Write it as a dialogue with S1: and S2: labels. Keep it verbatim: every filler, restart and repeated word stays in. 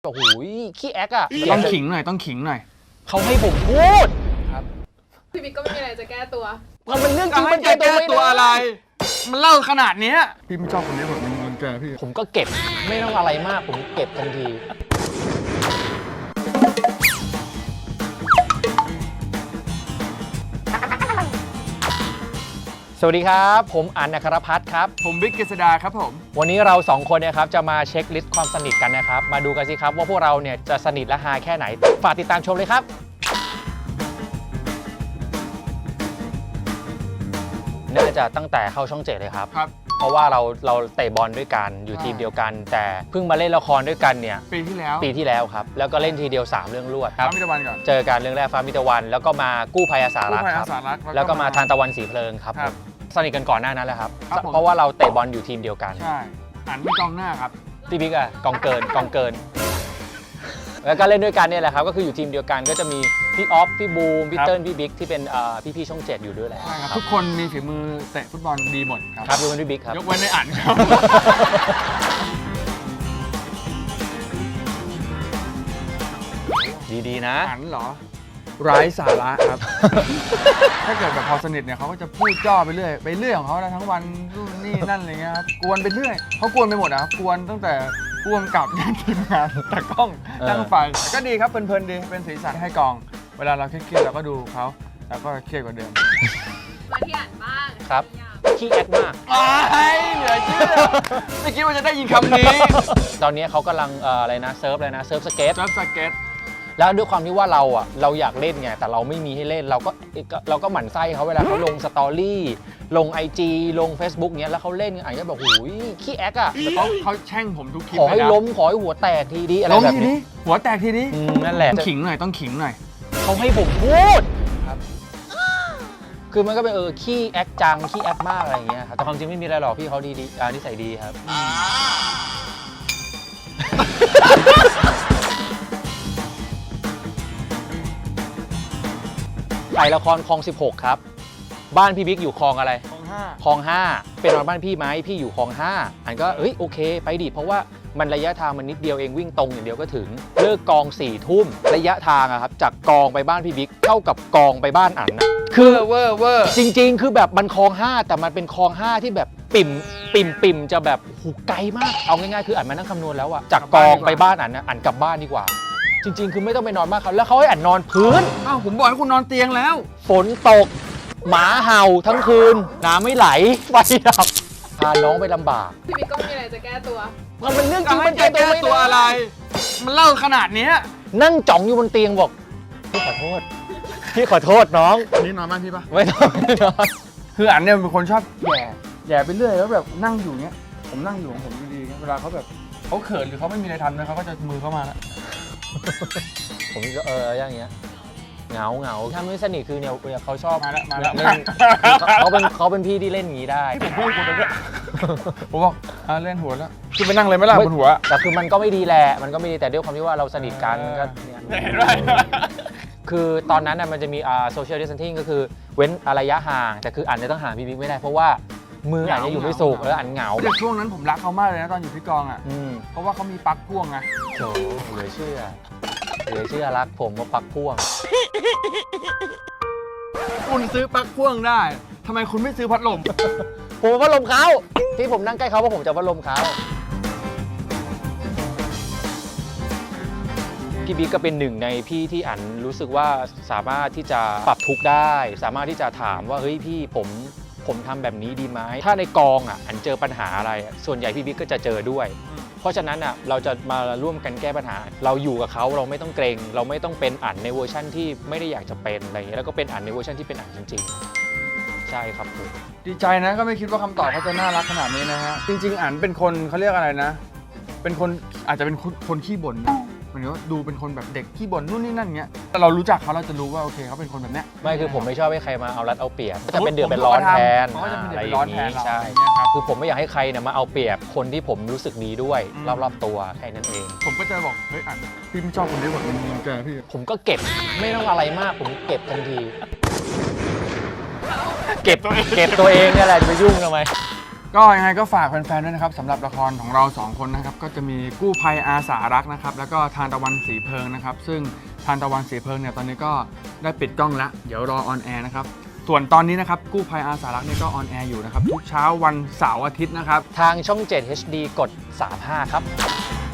S1: โอ้โหขี้แอ๊กอ่ะ
S2: ต้องขิงหน่อยต้องขิงหน่อย
S1: เขาให้ผมพูด
S2: ครับ
S3: พี่บิ๊กก็ไม่มีอะไรจะแก้ตัว
S1: มันเป็นเรื่องจริงมัน
S2: แก้
S1: ตัวไม่
S2: ตัวอะไรมันเล่าขนาดนี้พี่ไม่ชอบคนนี้แบบมันมันแกพี่
S1: ผมก็เก็บไม่ต้องอะไรมากผมเก็บทันทีสวัสดีครับผมอันนครพัฒน์ครับ
S2: ผมบิ๊กกฤษดาครับผม
S1: วันนี้เราสองคนนะครับจะมาเช็คลิสต์ความสนิทกันนะครับมาดูกันสิครับว่าพวกเราเนี่ยจะสนิทและฮาแค่ไหนฝากติดตามชมเลยครับน่าจะตั้งแต่เข้าช่องเจ็ดเลยครับ
S2: ครับ
S1: เพราะว่าเราเราเตะบอลด้วยกันอยู่ทีมเดียวกันแต่เพิ่งมาเล่นละครด้วยกันเนี่ย
S2: ปีที่แล้ว
S1: ปีที่แล้วครับแล้วก็เล่นทีเดียวสามเรื่องรวดครับ
S2: ฟ้ามิตรวันก่อน
S1: เจอกันเรื่องแรกฟ้ามิตรวันแล้วก็มากู้ภัยอาสารักครับแล้วก็มาทานตะวันสีเพลิงครับสนิทกันก่อนหน้านั้นแหละครับเพราะว่าเราเตะบอลอยู่ทีมเดียวกัน
S2: ใช่อันไม่กองหน้าครับ
S1: พี่บิ๊กอะกองเกินกองเกินแล้วก็เล่นด้วยกันเนี่ยแหละครับก็คืออยู่ทีมเดียวกันก็จะมีพี่ออฟพี่บูมพี่เติ้ลพี่บิ๊กที่เป็นพี่ๆช่องเจ็ดอยู่ด้วยแหละ
S2: ใช่ครับทุกคนมีฝีมือเตะฟุตบอลดีหมดครับ
S1: ครับยกเว้นพี่บิ๊กครับ
S2: ยกเว้นในอันครับ
S1: ดีๆนะ
S2: อันเหรอไร้สาระครับถ้าเกิดแบบพอสนิทเนี่ยเขาก็จะพูดจ่อไปเรื่อยไปเรื่อยของเขาแล้วทั้งวันนู่นนี่นั่นอะไรเงี้ยครับกวนไปเรื่อยเขากวนไปหมดนะครับกวนตั้งแต่พ่วงกับยันทีมงานตากล้องตั้งไฟก็ดีครับเพลินๆดีเป็นสีสันให้กองเวลาเราเครียดๆเราก็ดูเขาแล้วก็เครียดกว่าเดิม
S3: มาที่อ่านบ้าง
S1: ครับขี้แอคมาก
S2: ไอ้เหลือเชื่อไม่คิดว่าจะได้ยินคำนี้
S1: ตอนนี้เขากำลังอะไรนะเซิร์ฟเลยนะเซิร์ฟสเก็ต
S2: เซิร์ฟสเก็ต
S1: แล้วด้วยความที่ว่าเราอ่ะเราอยากเล่นไงแต่เราไม่มีให้เล่นเราก็เราก็หมั่นไส้เขาเวลาเขาลงสตอรี่ลง ไอ จี ลง Facebook เงี้ยแล้วเขาเล่นอ่านก็บอกหูยขี้แอ๊กอ่ะ
S2: แต่เขาเขาแช่งผมทุกคลิป
S1: ขอให้ล้มขอให้หัวแตกทีดีอะไรแบบนี้
S2: หัวแตกทีนี้
S1: นั่นแหละ
S2: ต้องขิงหน่อยต้องขิงหน่อย
S1: เขาให้ผมพูดครับคือมันก็เป็นเออขี้แอ๊กจังขี้แอ๊กมากอะไรอย่างเงี้ยครับแต่ความจริงไม่มีอะไรหรอกพี่เขาดีดีอ่านิสัยดีครับถ่ายละครคลองสิบหกครับบ้านพี่บิ๊กอยู่คลองอะไร
S2: คลองห้า
S1: คลองห้าเป็นบ้านพี่ไหมพี่อยู่คลองห้าอันก็เฮ้ยโอเคไปดิเพราะว่ามันระยะทางมันนิดเดียวเองวิ่งตรงอย่างเดียวก็ถึงเลิกกองสี่ทุ่มระยะทางอะครับจากกองไปบ้านพี่บิ๊กเท่ากับกองไปบ้านอันนะ
S2: คือเวอร์เวอร์
S1: จริงๆคือแบบมันคลองห้าแต่มันเป็นคลองห้าที่แบบปิ่มปิ่มปิ่มจะแบบหูไกลมากเอาง่ายๆคืออันมานั่งคำนวณแล้วอะจากกองไปบ้านอันนะอันกลับบ้านดีกว่าจริงๆคือไม่ต้องไปนอนมากเขาแล้วเขาให้อันนอนพื้น
S2: อ้าวผมบอกให้คุณนอนเตียงแล้ว
S1: ฝนตกหมาเห่าทั้งคืนน้ำไม่ไหลไฟดับพาน้องไปลำบาก
S3: พี่บิ๊กก็ไม่มีอะไรจะแก้ตัว
S1: มันเป็นเรื่องจริงมัน
S2: แก้ตัวอะไรมันเล่าขนาดนี้
S1: นั่งจ่องอยู่บนเตียงบอกพี่ขอโทษพี่ขอโทษน้อง
S2: นี่นอนบ้านพี่ปะ
S1: ไม่ต้องไม่นอน
S2: คืออันเนี่ยเป็นคนชอบแย่แย่ไปเรื่อยแล้วแบบนั่งอยู่เนี้ยผมนั่งอยู่ของผมดีๆเวลาเขาแบบเขาเขินหรือเขาไม่มีอะไรทำนะเขาก็จะมือเข้ามาแล้ว
S1: ผมก็เอออย่างเงี้ยเหงาเหงาถ้าไม่สนิทคือเนี่ยเขาชอบ
S2: มาแล้วมาแล้ว
S1: เขาเป็นเขาเป็นพี่ที่เล่นอย่างนี้ได้
S2: ผมพูดคุณเลยผมบอกเล่นหัวแล้วคือไปนั่งเลยไม่ล่ะบนหัว
S1: แต่คือมันก็ไม่ดีแหละมันก็ไม่ดีแต่ด้วยความที่ว่าเราสนิทกันก็
S2: เห็นไหม
S1: คือตอนนั้นน่ะมันจะมีอ่าโซเชียลดิสแทนซิ่งก็คือเว้นระยะห่างแต่คืออันจะต้องห่างพี่บิ๊กไม่ได้เพราะว่ามืออันจะอยู่ไม่สุกแล้วอันเหงา
S2: แต่ช่วงนั้นผมรักเขามากเลยนะตอนอยู่ที่กองอ่ะเพราะว่าเขามีปลั๊กพ่วงไง
S1: โถเหลือเชื่อเหลือเชื่อรักผมว่าปลั๊กพ่วง
S2: คุณซื้อปลั๊กพ่วงได้ทำไมคุณไม่ซื้อพัดลม
S1: ผมพัดลมเขาที่ผมนั่งใกล้เขาเพราะผมจะพัดลมเขาพี่บิ๊กก็เป็นหนึ่งในพี่ที่อันรู้สึกว่าสามารถที่จะปรับทุกข์ได้สามารถที่จะถามว่าเฮ้ยพี่ผมผมทำแบบนี้ดีไหมถ้าในกองอ่ะอันเจอปัญหาอะไรส่วนใหญ่พี่บิ๊กก็จะเจอด้วยเพราะฉะนั้นอ่ะเราจะมาร่วมกันแก้ปัญหาเราอยู่กับเขาเราไม่ต้องเกรงเราไม่ต้องเป็นอันในเวอร์ชั่นที่ไม่ได้อยากจะเป็นอะไรอย่างเงี้ยแล้วก็เป็นอันในเวอร์ชั่นที่เป็นอันจริงๆใช่ครับผม
S2: ดีใจนะก็ไม่คิดว่าคำตอบเขาจะน่ารักขนาดนี้นะฮะจริงๆอันเป็นคนเขาเรียกอะไรนะเป็นคนอาจจะเป็นคนขี้บ่นเหมือนว่าดูเป็นคนแบบเด็กขี้บ่นนู่นนี่นั่นเงี้ยแต่เรารู้จักเขาเราจะรู้ว่าโอเคเขาเป็นคนแบบเนี้ย
S1: ไม่คือผมไม่ชอบให้ใครมาเอารัดเอาเปรียบจะเป็นเดือดเป็นร้อนแทนอะไรอย่างนี้ใช่คือผมไม่อยากให้ใครเนี่ยมาเอาเปรียบคนที่ผมรู้สึกดีด้วยรอบๆตัวแค่นั้นเอง
S2: ผมก็จะบอกเฮ้ยอันพี่ไม่ชอบคนนี้แบบมันแกพี่
S1: ผมก็เก็บไม่ต้องอะไรมากผมเก็บทันทีเก็บเก็บตัวเองเนี่ยแหละจะไปยุ่งทำไม
S2: ก็ยังไงก็ฝากแฟนๆด้วยนะครับสำหรับละครของเราสองคนนะครับก็จะมีกู้ภัยอาสารักนะครับแล้วก็ทานตะวันสีเพลิงนะครับซึ่งทานตะวันสีเพลิงเนี่ยตอนนี้ก็ได้ปิดกล้องแล้วเดี๋ยวรอออนแอร์นะครับส่วนตอนนี้นะครับกู้ภัยอาสารักเนี่ยก็ออนแอร์อยู่นะครับทุกเช้าวันเสาร์อาทิตย์นะครับ
S1: ทางช่อง เจ็ด เอช ดี กด สามสิบห้า ครับ